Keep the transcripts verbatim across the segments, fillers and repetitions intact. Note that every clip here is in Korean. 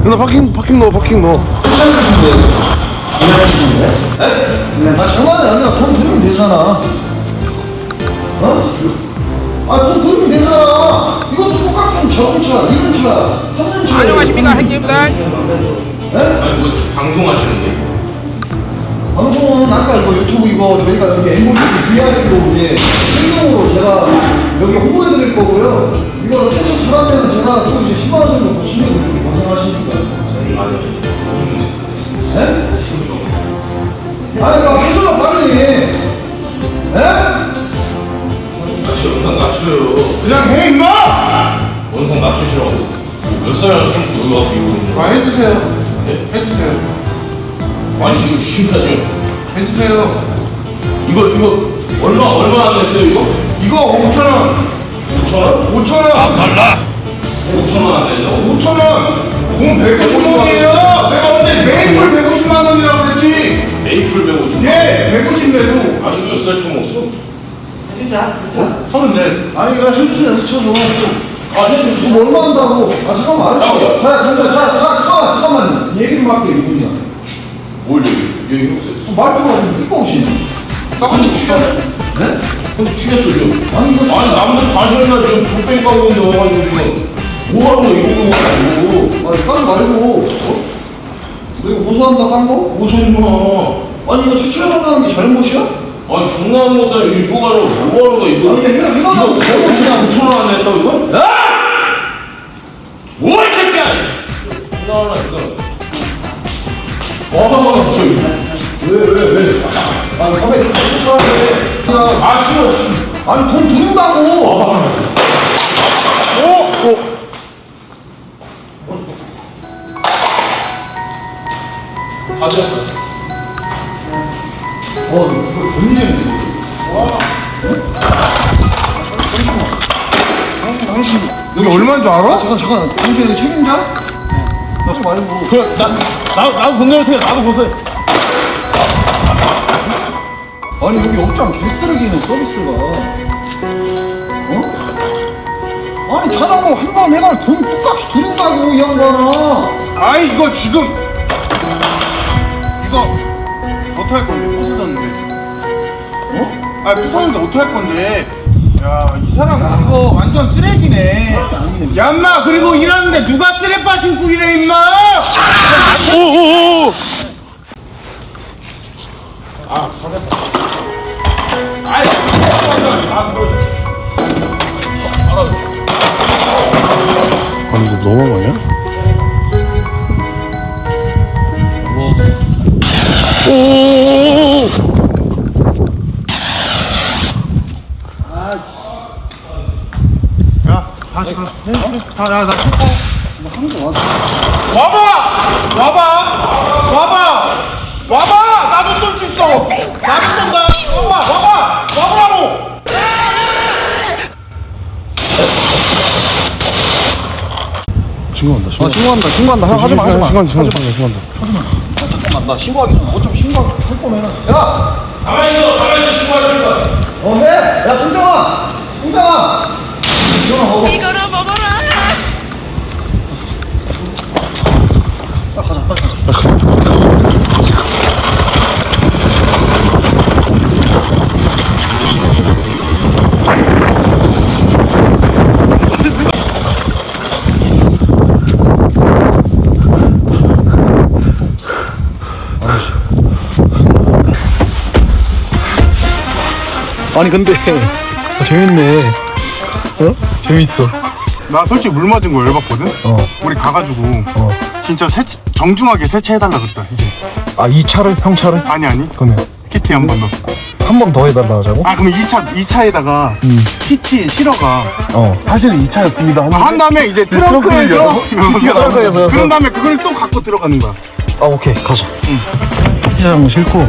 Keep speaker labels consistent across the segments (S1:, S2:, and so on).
S1: 나 파킹 파킹 넣어 파킹 넣어.
S2: 아 장난이 아니라 돈 들으면 되잖아. 어? 아 돈 들으면 되잖아. 이것도 똑같은 저번 차, 이번 차, 삼 년 차.
S3: 안녕하십니까 형님들.
S2: 네?
S4: 아니 뭐 방송하시는데?
S2: 방송은 아까 이거 유튜브 이거 저희가 여기 엠오티 브이아이피로 이제 생명으로 제가 여기 홍보해드릴 거고요. 이거 세차 잘하면 제가 또 이제 십만 원 정도 보시면 이렇게 고생하시니까. 네? 아니 이거 하셔요 빨리. 예?
S4: 같이 영상 낮춰요.
S1: 그냥 해 임마.
S4: 영상 낮추시라고. 몇 살이나 참고 여기 와서 이러고.
S1: 아 해주세요.
S4: 네?
S1: 해주세요.
S4: 아니 지금 심사죠.
S1: 해주세요.
S4: 이거 이거 얼마 얼마 안 냈어요 이거?
S1: 이거 오천 원.
S4: 오천 원?
S1: 오천 원.
S4: 달라. 오천 원 안 냈다고?
S1: 오천 원. 돈 백오십 원이에요. 내가 언제 메이플 백오십만 원이라고 그랬지.
S4: 메이플 백오십.
S1: 예, 백오십 내도.
S4: 아직 몇 살 처먹었어?
S2: 진짜? 진짜?
S1: 서른넷.
S2: 아니 이거 실수는 연습 쳐줘.
S4: 아 해줘.
S2: 뭐 얼마 한다고? 아 잠깐만 알았어. 자 잠깐 자 잠깐만 잠깐만 얘기 좀 할게 이분이야.
S4: 뭘 얘기? 얘기 해보세요.
S2: 말투가 좀 띠꺼우시네.
S1: 나 근데 죽였어.
S2: 네?
S4: 근데 죽였어 지금.
S2: 아니 이거
S4: 아니 남들 다시나 지금 족뱅 까고 있는데 와가지고 지금 뭐하는 거야 이거 가지고.
S2: 아니 까지 말고. 어? 너 이거 고소한다 깐 거?
S4: 무슨 마.
S2: 아니 이거 수출해달라는 게 잘못이야?
S4: 아니 장난하는 거다 이거 가지고 뭐하는 거야 이거.
S2: 아니 이게 이거 이거
S4: 이거
S2: 잘못이야.
S4: 오천 원 안 냈다고 이거? 야! 뭐야 이 새끼야! 나와라 이거. 와 진짜.
S2: 왜왜 왜? 아니 가만히 수출하는데.
S4: 아 싫어 싫어.
S2: 아니 돈 드린다고.
S1: 오, 오.
S4: 가져가.
S2: 어 이거 돈이네.
S1: 여기 얼마인 줄 알아?
S2: 잠깐 잠깐 당신 책임자? 나좀 말고.
S4: 그, 나, 나, 나도 본대로 해. 나도 보세요.
S2: 아니 여기 업장 개쓰레기는 서비스가. 어? 아니 자전거 한 번 해갈 돈 똑같이 드린다고 이 양반아.
S1: 아이 이거 지금 이거 어떡할 건데 부서졌는데.
S2: 어?
S1: 아 부서졌는데 어떡할 건데. 야 이 사람 이거 완전 쓰레기네. 야 인마 그리고 일하는데 누가 쓰레빠 신고 일해 임마. 오오오.
S4: 아, 잘했다. 아이, 아, 그래. 알아.
S1: 아니 이거 너무한 거 아니야? 오오오오. 야 다시 가. 해, 해. 다, 야, 나 칠 거. 와봐! 와봐! 와봐! 와봐! 나도 쏠 수 있어! 나도 쏜다! 와봐! 와봐! 와보라고! 신고한다, 신고.
S2: 아 신고한다 신고한다 하지 마 하지 마.
S1: 신고한다, 신고한다, 신고한다.
S2: 잠깐만 나 신고하기 좀 어차피 신고할 거면은. 야!
S4: 가만히 있어, 가만히 있어, 신고할 거야.
S2: 어 해! 야 동정아! 동정아! 동정아 먹어.
S3: 이거나 먹어라.
S2: 야 가자 빨리 가자.
S5: 아니 근데 아, 재밌네. 어? 재밌어.
S1: 나 솔직히 물 맞은 거 열받거든?
S5: 어.
S1: 우리 가가지고
S5: 어.
S1: 진짜 세차, 정중하게 세차해달라 그랬다 이제.
S5: 아 이 차를 형 차를?
S1: 아니 아니
S5: 그러면
S1: 키티 한 번 더.
S5: 한 번 더 해달라 하자고?
S1: 아 그러면 이 차, 이 차에다가
S5: 음.
S1: 키티 실어가.
S5: 어. 사실 이 차였습니다.
S1: 아, 한 다음에 이제 트렁크에서
S5: 열어?
S1: 키티가 나오는
S5: 트렁크에서
S1: 거야.
S5: 열어서.
S1: 그런 다음에 그걸 또 갖고 들어가는 거야.
S5: 아 오케이 가자. 응. 피자장은 싫고.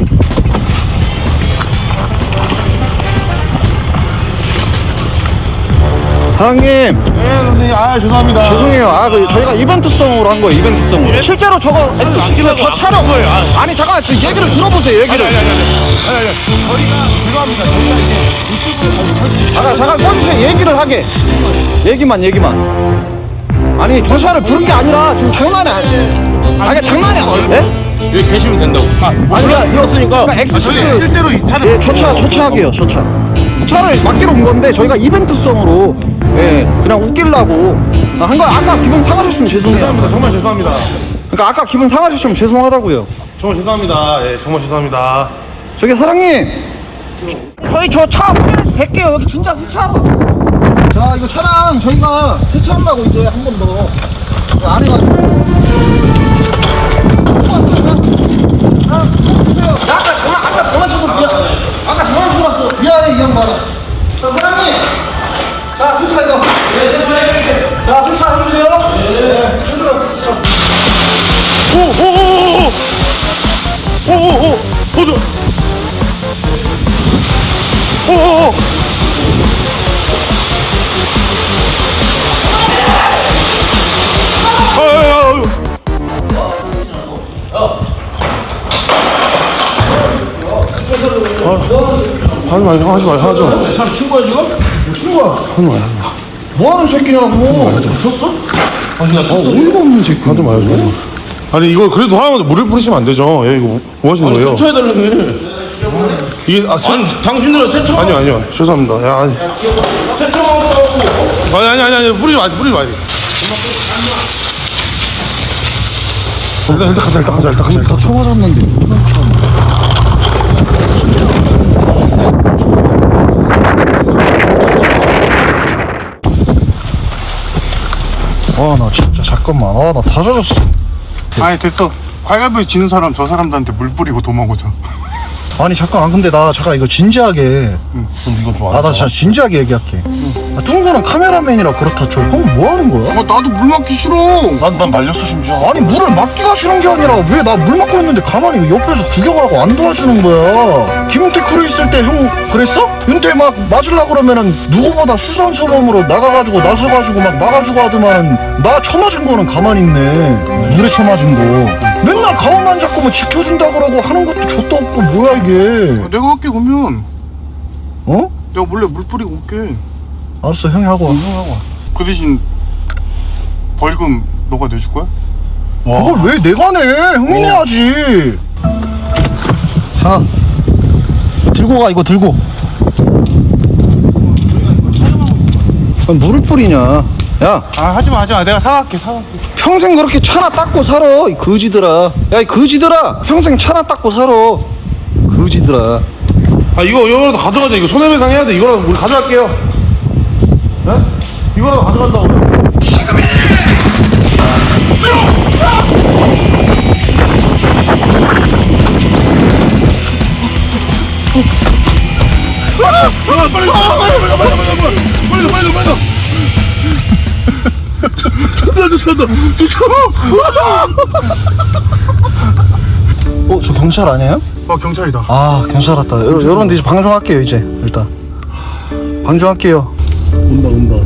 S5: 사장님
S1: 네 선생님 아 죄송합니다.
S5: 죄송해요. 아 그 저희가 이벤트성으로 한 거예요. 이벤트성으로. 실제로 저거 엑스시티는 저 차로 아니 잠깐 저 얘기를 들어보세요. 얘기를.
S1: 저희가 죄송합니다. 저희가 이제
S5: 잠깐 잠깐 꺼주세요. 얘기를 하게. 얘기만 얘기만. 아니 경찰을 부른 게 아니라 지금 장난이 아니에요. 아니 장난이 아니에요. 예?
S4: 여기 계시면 된다고. 아,
S5: 아니 그러니까 이거
S4: 없으니까.
S5: 그러니까 엑스시트
S1: 실제로 이 차를
S5: 예, 저차 저차하게요 저차 차를 맡기러 온 건데 저희가 이벤트성으로 예 그냥 웃기려고 한 거 아까 기분 상하셨으면 죄송해요.
S1: 죄송합니다. 정말 죄송합니다.
S5: 그러니까 아까 기분 상하셨으면 죄송하다고요.
S1: 정말 죄송합니다. 예, 정말 죄송합니다.
S5: 저기 사장님 저희 저 차 확인해서 될게요. 여기 진짜 새 차. 자 이거 차량 저희가 세차한다고 이제 한 번 더 안 해가지고 야, 아까 전화 아까 전화 쳐서 미안 아까 전화 쳐서 왔어 미안해 이 양반아. 자 사장님 자 세차 이거 네 세차 해드릴게요. 자 세차 해주세요. 네 해주세요.
S1: 오오오오오 오오오 보조 오오오 아야야야 하지 마, 형 하지 마, 하지 마.
S4: 사람 친구야 지금?
S5: 친구야
S1: 하지 마, 하지 마.
S5: 뭐하는 새끼냐고.
S4: 쳤어? 아니 나 쳤어.
S5: 어이가 없는 새끼.
S1: 하지 마요. 좀. 아니 이거 그래도 하나만 물을 뿌리시면 안 되죠. 예, 이거 뭐 하시는
S4: 아니
S1: 거예요?
S4: 세차해달라며.
S1: 이게 아, 세,
S4: 아니 당신들은 세차.
S1: 아니요, 아니요. 죄송합니다. 야, 아니.
S4: 세차하고.
S1: 아니, 아니, 아니, 아니. 뿌리지 마세요, 뿌리지 마세요. 일단, 일단 가자, 일단 가자, 일단 가자.
S5: 다 쳐맞았는데. 아, 나 진짜 잠깐만. 아, 나 다 젖었어.
S1: 아니, 됐어. 가위바위보 지는 사람 저 사람들한테 물 뿌리고 도망오자.
S5: 아니 잠깐 아, 근데 나 잠깐 이거 진지하게
S1: 응, 근데 이거 좀
S5: 아 나 진짜 진지하게 얘기할게. 아, 뚱구는 카메라맨이라 그렇다 쳐. 형 뭐 하는 거야?
S1: 어, 나도 물 맞기 싫어. 난, 난 말렸어, 심지어.
S5: 아니 물을 맡기가 싫은 게 아니라 왜 나 물 맡고 있는데 가만히 옆에서 구경하고 안 도와주는 거야. 김용태 크루 있을 때 형 그랬어? 윤태 막 맞으려고 그러면은 누구보다 수선수범으로 나가가지고 나서가지고 막 막아주고 하더만은 나 처맞은 거는 가만히 있네. 물에 처맞은 거 맨날 가만만 잡고 뭐 지켜준다 그러고 하는 것도 좆도 없고 뭐야 이게.
S1: 내가 할게, 그러면.
S5: 어?
S1: 내가 몰래 물 뿌리고 올게.
S5: 알았어 형이 하고 와.
S1: 그 대신 벌금 너가 내줄 거야?
S5: 그걸 왜 내가 내? 형이 내야지. 자 들고 가. 이거 들고. 아, 물을 뿌리냐. 야
S1: 아, 하지 마, 하지 마. 내가 사갈게, 사갈게.
S5: 평생 그렇게 차나 닦고 살아 이 거지들아. 야 이 거지들아 평생 차나 닦고 살아 거지들아.
S1: 아, 이거, 이거라도 가져가자. 이거 손해배상 해야 돼. 이거라도 우리 가져갈게요. 네? 이거라도 가져간다고. 빨리, 빨리, 빨리, 빨리, 빨리, 빨리, 빨리, 빨리, 빨리. 좋다, 좋다, 좋다.
S5: 어 저 경찰 아니에요?
S1: 아, 경찰이다.
S5: 아 경찰 왔다. 여러, 여러분들 이제 방송할게요 이제. 일단 방송할게요.
S1: 온다, 온다.